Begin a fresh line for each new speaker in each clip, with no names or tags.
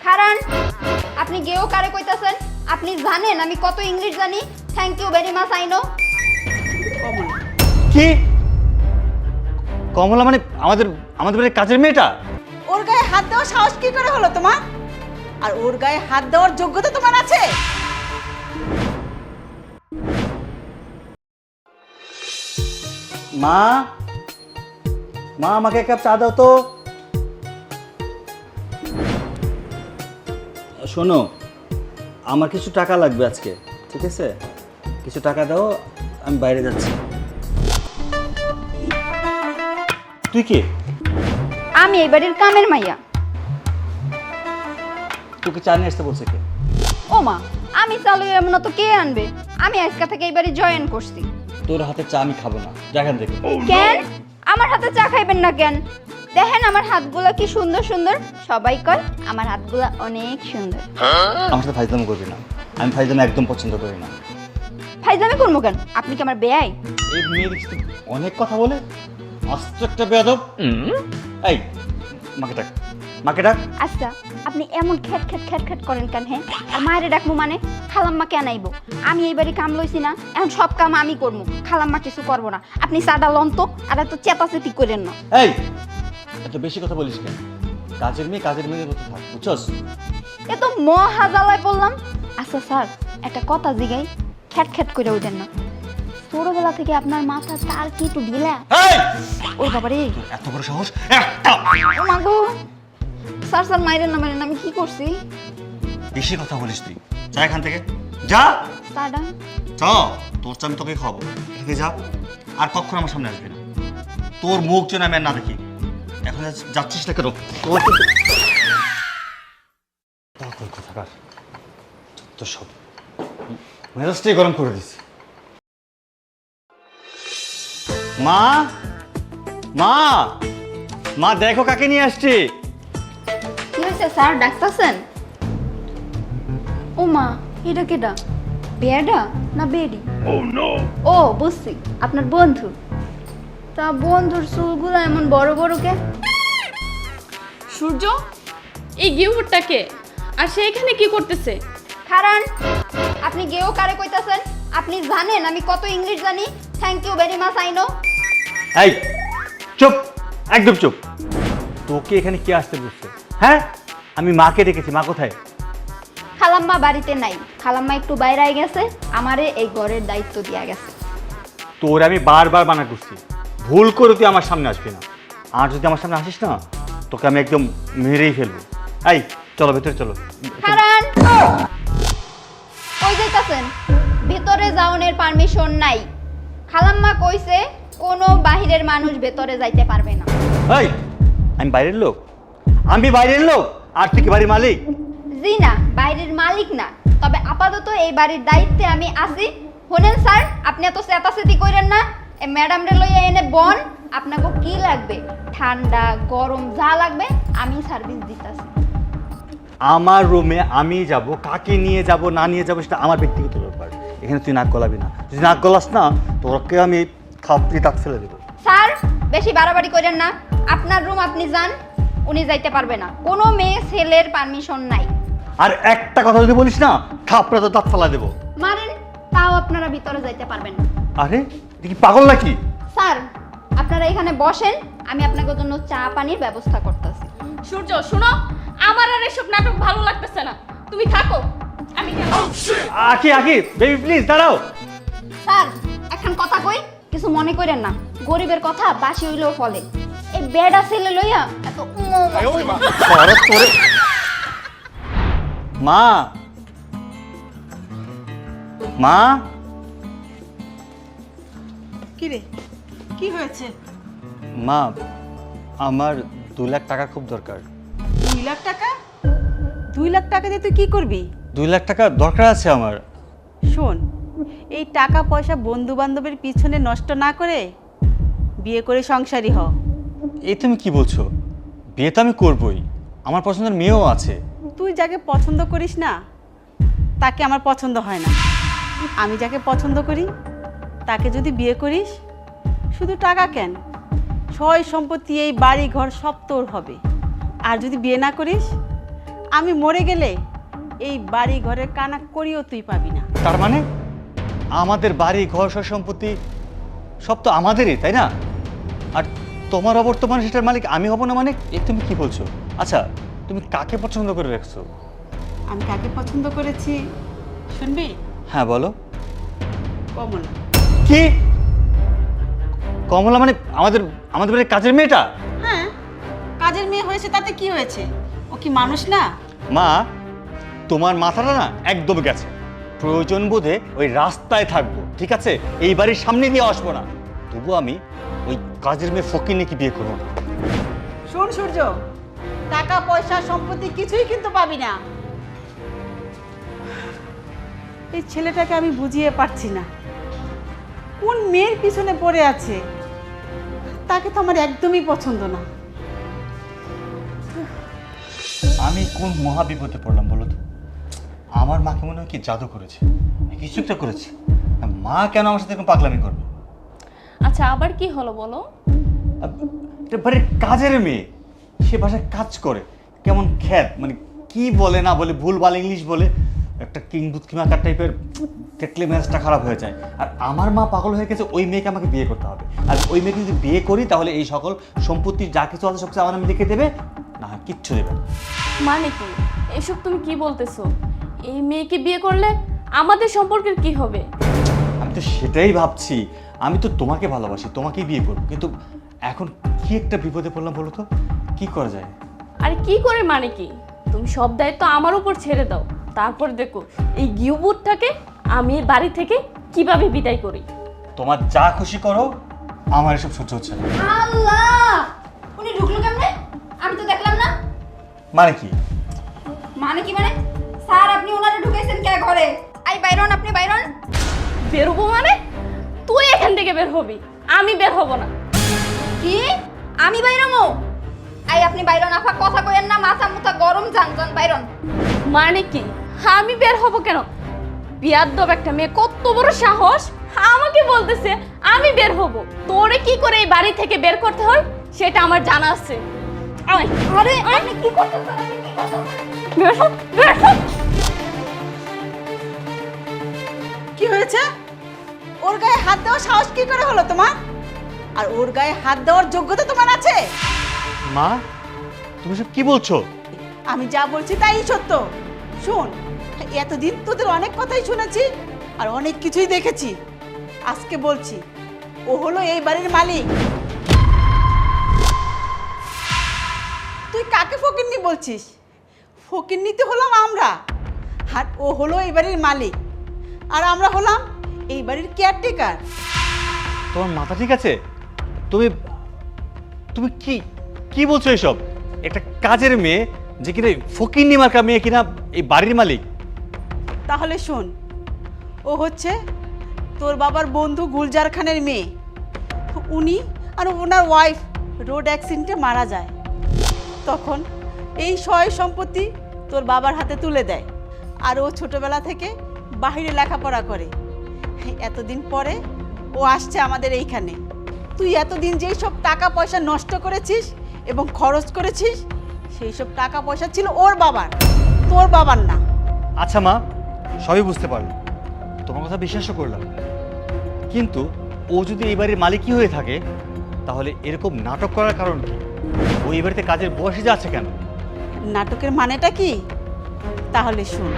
খারান, আপনি গেও কারে কইতাছেন? আপনি জানেন আমি কত ইংলিশ জানি? Thank you very much I know.
কি কমলা মানে আমাদের আমাদের বাড়ির কাজের মেয়েটা?
ওর গায়ে হাত দেওয়ার সাহস কি করে হলো তোমার? আর ওর গায়ে হাত দেওয়ার যোগ্যতা তোমার আছে?
মা মা আমাকে এক কাপ চা দাও তো। শোনো, আমার কিছু টাকা লাগবে আজকে, ঠিক আছে? কিছু টাকা দাও, আমি বাইরে যাচ্ছি। তুই কে?
আমি এই বাড়ির কামের মাইয়া।
তোকে চা নিয়ে আসতে বলছে কে?
ও মা, আমি চালু এমন তো কে আনবে? আমি আজকে থেকে এই বাড়ি জয়েন করছি।
তোর হাতে চা আমি খাবো না, যা এখান থেকে।
কেন আমার হাতে চা খাইবেন না কেন? দেখেন আমার হাতগুলা কি সুন্দর সুন্দর। সবাই কয় আমার হাতগুলা অনেক সুন্দর।
আমার সাথে ফাইজলামি করবি না, আমি ফাইজলামি একদম পছন্দ করি না।
ফাইজলামি করবো কেন? আপনি কি আমার বেয়াই?
এই মেয়ের সাথে অনেক কথা বলে, আস্ত একটা বেয়াদব। এই মাকে ডাক, মাকে ডাক।
আচ্ছা, আপনি এমন খ্যাট খ্যাট খ্যাট খ্যাট করেন কেন? হ্যাঁ, আর মায়েরে ডাকবো মানে? খালাম্মা কেন আইব? আমি এই বাড়ি কাম লইছি না, এখন সব কাম আমি করবো, খালাম্মা কিছু করবো না। আপনি চাটা লন তো, আর এত চেতাচেতি করেন না।
এই এত বেশি কথা বলিস কেন? কাজের মেয়ের মতো থাক, বুঝছস?
এ তো মহা জ্বালায় বললাম। আচ্ছা স্যার, একটা কথা জিগাই, খ্যাট খ্যাট করে উঠেন না। ছোটবেলা থেকে আপনার মাথা তার কি একটু ঢিলা?
এই
ওই বাবারে,
এত বড় সাহস একটা!
ও মা গো! স্যার স্যার মাইরেন না, আমি কি করছি?
বেশি কথা বলিস তুই, যা এখান থেকে, যা।
স্যারডা
চ, তোর চা আমি তোকে খাওয়াবো, এখানে যা। আর কখনো আমার সামনে আসবি না, তোর মুখ যেন আমি আর না দেখি। এখন যাচ্ছিস না কেন? তোর কোথাকার তো সব মেজাজটাই গরম করে দিস। মা মা মা, দেখো কাকে নিয়ে আসছি।
কি হয়েছে স্যার, ডাকতেছেন? ও মা, এটা কেডা? বেয়াডা না বেডি? ও বুঝছি, আপনার বন্ধু। তা বন্ধুর চুলগুলো এমন বড় বড় কে?
সূর্য, এই গিফটটাকে আর সে এখানে কি করতেছে?
খারান, আপনি গেও কারে কইতাছেন? আপনি জানেন আমি কত ইংলিশ জানি? Thank you very much I know.
এই চুপ, একদম চুপ। তোকে এখানে কে আসতে বলছে? হ্যাঁ, আমি মাকে ডেকেছি। মা কোথায়?
খালাম্মা বাড়িতে নাই, খালাম্মা একটু বাইরে গেছে, আমারে এই ঘরের দায়িত্ব দিয়া গেছে।
তোর আমি বারবার মানা করছি, ভুল করে তুই আমার সামনে আসবি না। আর যদি আমার সামনে আসিস না, তোকে আমি একদম মেরেই ফেলবো। এই চলো ভেতরে চলো।
খারান, কই যাইতাছেন? ভেতরে যাওনের পারমিশন নাই। খালাম্মা কইছে কোনো বাহিরের মানুষ ভেতরে যাইতে পারবে না।
এই আমি বাইরের লোক? আমি বাইরের লোক আর তুই কি বাড়ির মালিক?
জি না, বাইরের মালিক না, তবে আপাতত এই বাড়ির দায়িত্বে আমি আছি। শোনেন স্যার, আপনি এত চেতাচেতি কইরেন না। এই ম্যাডাম রে লইয়া এনে বন, আপনাকে কি লাগবে, ঠান্ডা গরম যা লাগবে আমি সার্ভিস দিতাছি।
আমার রুমে আমি যাব, কাকে নিয়ে যাব না নিয়ে যাব সেটা আমার ব্যক্তিগত ব্যাপার। এখানে তুই নাক গলাবি না। যদি নাক গলাস না, তোকে আমি থাপড়ি দাঁত ফেলে দেবো।
স্যার, বেশি বাড়াবাড়ি করেন না। আপনার রুম আপনি যান, উনি যাইতে পারবে না। কোনো মেয়ে ছেলের পারমিশন নাই।
আর একটা কথা যদি বলিস না, থাপড়া তো দাঁত ফেলা দেবো।
মারেন, তাও আপনারা ভিতরে যাইতে পারবেন না।
আরে তুই কি পাগল নাকি?
স্যার, আপনারা এখানে বসেন, আমি আপনাদের জন্য চা পানির ব্যবস্থা করতেছি।
সূর্য শোনো, আমার আর এসব নাটক ভালো লাগতেছে না, তুমি থাকো, আমি গেলাম।
আকি বেবি প্লিজ দাঁড়াও।
স্যার, এখন কথা কই, কিছু মনে করেন না। গরিবের কথা বাসি হইলেও ফলে। এই বেডা ছেলে লইয়া এত
তোরে তোরে মা মা
কি রে, কি হয়েছে?
মা, আমার 2 লাখ টাকা খুব দরকার।
2 লাখ টাকা? 2 লাখ টাকা দিয়ে তুই কি করবি?
2 লাখ টাকা দরকার আছে আমার।
শোন, এই টাকা পয়সা বন্ধু বান্ধবের পিছনে নষ্ট না করে বিয়ে করে সংসারী হ।
এই তুমি কি বলছো? বিয়ে তো আমি করবই, আমার পছন্দের মেয়েও আছে।
তুই যাকে পছন্দ করিস না তাকে আমার পছন্দ হয় না। আমি যাকে পছন্দ করি তাকে যদি বিয়ে করিস, শুধু টাকা কেন, সয় সম্পত্তি এই বাড়ি ঘর সব তোর হবে। আর যদি বিয়ে না করিস, আমি মরে গেলে এই বাড়ি ঘরের কানা করিও তুই পাবি না।
তার মানে আমাদের বাড়ি ঘর সব সম্পত্তি সব তো আমাদেরই, তাই না? আর তোমার অবর্তমানে সেটার মালিক আমি হব না মানে এ তুমি কি বলছো? আচ্ছা, তুমি কাকে পছন্দ করে রাখছো?
আমি কাকে পছন্দ করেছি শুনবি?
হ্যাঁ বলো।
কমলা।
কি? কমলা মানে আমাদের আমাদের বাড়ির কাজের মেয়েটা?
হ্যাঁ, কাজের মেয়ে হয়েছে তাতে কি হয়েছে? ও কি মানুষ না?
মা, তোমার মাথাটা না একদম গেছে। প্রয়োজন বোধে ওই রাস্তায় থাকবো, ঠিক আছে? এই বাড়ির সামনে দিয়ে আসবো না। তবু আমি ওই কাজের মেয়ে ফকিরকে বিয়ে করবো না।
শোন সূর্য, টাকা পয়সা সম্পত্তি কিছুই কিন্তু পাবি না। এই ছেলেটাকে আমি বুঝিয়ে পারছি না কোন মেয়ের পিছনে পড়ে আছে। তাকে তো আমার একদমই পছন্দ না।
আমি কোন মহা বিপদে পড়লাম বলো তো? আমার মাকে মনে হয় কি জাদু করেছে, কিছু একটা করেছে। মা কেন আমার সাথে এরকম পাগলামি করবে?
আচ্ছা আবার কি হলো বলো?
এটা বাড়ির কাজের মেয়ে, সে বাসায় কাজ করে, কেমন খ্যাত, মানে কি বলে না বলে, ভুলভাল ইংলিশ বলে, একটা কিংবুত কিমাকার টাইপের, দেখলে মেজাজটা খারাপ হয়ে যায়। আর আমার মা পাগল হয়ে গেছে ওই মেয়েকে আমাকে বিয়ে করতে হবে। আর ওই মেয়েকে যদি বিয়ে করি তাহলে এই সকল সম্পত্তি যা কিছু আছে সব কিছু আমার নামে লিখে দেবে, না কিচ্ছু দেবে না।
মানে কি এসব তুমি কি বলতেছো? এই মেয়েকে বিয়ে করলে আমাদের সম্পর্কের কি হবে?
আমি তো সেটাই ভাবছি। আমি তো তোমাকে ভালোবাসি, তোমাকেই বিয়ে করবো, কিন্তু এখন কি একটা বিপদে পড়লাম বলো তো? কি করা যায়?
আরে কি করে মানে কি? তুমি সব দায়িত্ব আমার উপর ছেড়ে দাও, তারপর দেখো এই গিউবুটটাকে আমি এই বাড়ি থেকে কিভাবে বিদায় করি।
তোমার যা খুশি করো, আমার এসব সহ্য হচ্ছে না।
আল্লাহ, উনি ঢুকলো কেমনে? আমি তো দেখলাম না।
মানে কি?
মানে কি মানে? স্যার আপনি ওনারে ঢুকাইছেন কে ঘরে? আই বাইরন, আপনি বাইরন।
বেরোবো মানে? তুই এখান থেকে বের হবি, আমি বের হব না।
কি? আমি বাইরমো? আই আপনি বাইরন, আফা কথা কইেন না, মাথা মুথা গরম, জান জান বাইরন।
মানে কি আমি বের হব কেন? বিয়াদ্দব একটা মেয়ে, কত বড় সাহস আমাকে বলতেছে আমি বের হব। তোরে কি করে এই বাড়ি থেকে বের করতে হয় সেটা আমার জানা আছে। আয়,
আরে আপনি কি করতেছেন? আপনি কি করতেছেন?
বের হ, বের হ।
কি হয়েছে? ওর গায়ে হাত দেওয়ার সাহস কি করে হলো তোমার? আর ওর গায়ে হাত দেওয়ার যোগ্যতা তোমার আছে?
মা, তুমি সব কি বলছো?
আমি যা বলছি তাই সত্য। শোন, এতদিন তোদের অনেক কথাই শুনেছি আর অনেক কিছুই দেখেছি। আজকে বলছি, ও হলো এই বাড়ির মালিক। তুই কাকে ফকিন্নি বলছিস? ফকিন্নি তো হলাম আমরা, আর ও হলো এই বাড়ির মালিক, আর আমরা হলাম এই বাড়ির কেয়ারটেকার।
তোমার মাথা ঠিক আছে? তুমি তুমি কি কি বলছো এসব? একটা কাজের মেয়ে যে কিনা ফকিন্নি মার্কা মেয়ে কিনা এই বাড়ির মালিক?
তাহলে শোন, ও হচ্ছে তোর বাবার বন্ধু গুলজার খানের মেয়ে। উনি আর ওনার ওয়াইফ রোড অ্যাক্সিডেন্টে মারা যায়। তখন এই সয় সম্পত্তি তোর বাবার হাতে তুলে দেয়, আর ও ছোটবেলা থেকে বাইরে লেখাপড়া করে। এতদিন পরে ও আসছে আমাদের এইখানে। তুই এতদিন যেই সব টাকা পয়সা নষ্ট করেছিস এবং খরচ করেছিস, সেই সব টাকা পয়সা ছিল ওর বাবার, তোর বাবার না।
আচ্ছা মা, সবই বুঝতে পারলাম, তোমার কথা বিশ্বাসও করলাম, কিন্তু ও যদি এই বাড়ির মালিকই হয়ে থাকে তাহলে এরকম নাটক করার কারণ কি? ও এই বাড়িতে কাজের বয়সে যাচ্ছে কেন?
নাটকের মানেটা কি? তাহলে শুন।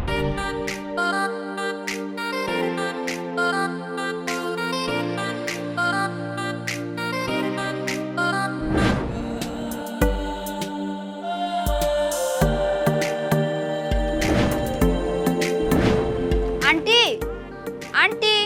Aunty, aunty.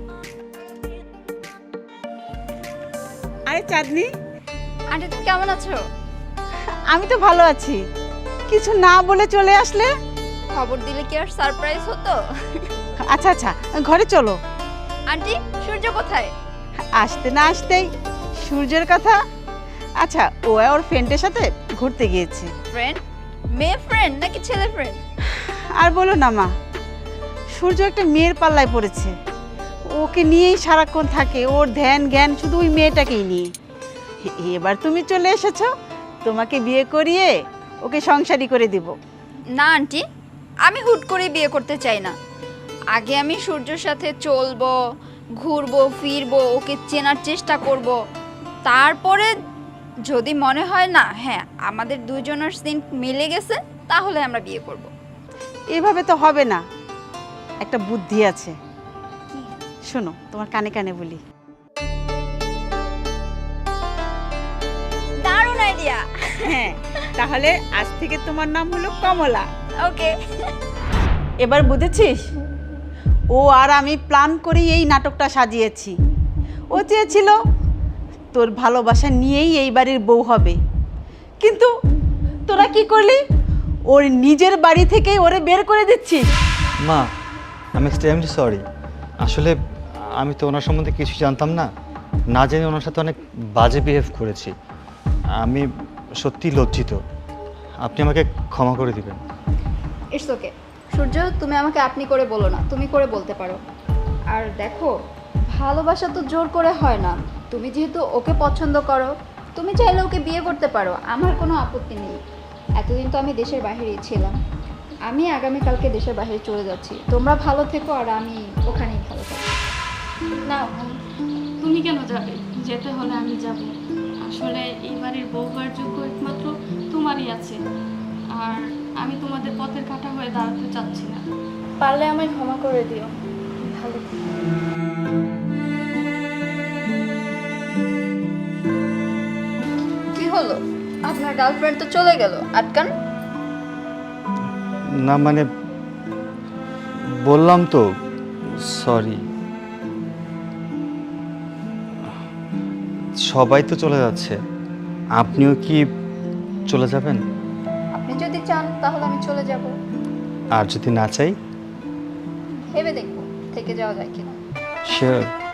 আরে চাঁদনি,
আন্টি তুমি কেমন আছো?
আমি তো ভালো আছি। কিছু না বলে চলে আসলে?
খবর দিলে কি আর সারপ্রাইজ হতো?
আচ্ছা আচ্ছা, ঘরে চলো।
আন্টি সূর্য কোথায়?
আসতে না আসতেই সূর্যের কথা। আচ্ছা, ও ওর ফ্রেন্ডের সাথে ঘুরতে গিয়েছে।
ফ্রেন্ড? মেয়ে ফ্রেন্ড নাকি ছেলে ফ্রেন্ড?
আর বলো না মা, সূর্য একটা মেয়ের পাল্লায় পড়েছে। ওকে নিয়েই সারাক্ষণ থাকে, ওর ধ্যান জ্ঞান শুধু ওই মেয়েটাকেই নিয়ে। এবার তুমি চলে এসেছো, তোমাকে বিয়ে করিয়ে ওকে সংসারী করে দিব।
না আন্টি, আমি হুট করে বিয়ে করতে চাই না। আগে আমি সূর্যর সাথে চলবো, ঘুরবো ফিরবো, ওকে চেনার চেষ্টা করব। তারপরে যদি মনে হয় না হ্যাঁ আমাদের দুজনের সিন মিলে গেছে, তাহলে আমরা বিয়ে করব।
এভাবে তো হবে না, একটা বুদ্ধি আছে। শোনো, তোমার কানে কানে বলি।
দারুণ আইডিয়া।
হ্যাঁ, তাহলে আজ থেকে তোমার নাম হলো কমলা।
ওকে।
এবার বুঝেছিস? ও আর আমি প্ল্যান করে এই নাটকটা সাজিয়েছি। ও চেয়েছিল তোর ভালোবাসা নিয়েই এই বাড়ির বউ হবে, কিন্তু তোরা কি করলি? ওর নিজের বাড়ি থেকেই ওরে বের করে দিচ্ছিস।
মা, আমি এক্সট্রিমলি সরি। আসলে আমি তো ওনার সম্বন্ধে কিছু জানতাম না, না জেনে ওনার সাথে অনেক বাজে বিহেভ করেছি। আমি সত্যি লজ্জিত, আপনি আমাকে ক্ষমা করে দিবেন।
It's okay. সূর্য, তুমি আমাকে আপনি করে বলো না, তুমি করে বলতে পারো। আর দেখো, ভালোবাসা তো জোর করে হয় না। তুমি যেহেতু ওকে পছন্দ করো, তুমি চাইলে ওকে বিয়ে করতে পারো, আমার কোনো আপত্তি নেই। এতদিন তো আমি দেশের বাইরেই ছিলাম, আমি আগামীকালকে দেশের বাইরে চলে যাচ্ছি। তোমরা ভালো থেকো আর আমি ওখানেই ভালো থাকবো।
না, তুমি কেন যাবে? যেতে হলে আমি যাব। আসলে এই বাড়ির বউ হওয়ার যোগ্য একমাত্র তোমারই আছে, আর আমি তোমাদের পথের কাঁটা হয়ে দাঁড়াতে চাচ্ছি না। পারলে আমায় ক্ষমা করে দিও। ভালো থেকো।
কি হলো? আপনার গার্লফ্রেন্ড তো চলে গেল, আটকান।
না মানে, বললাম তো সরি। সবাই তো চলে যাচ্ছে, আপনিও কি চলে যাবেন?
আপনি যদি চান তাহলে আমি চলে যাব।
আর যদি না চাই?
ভেবে দেখবো থেকে যাওয়া যায় কিনা।
শিওর।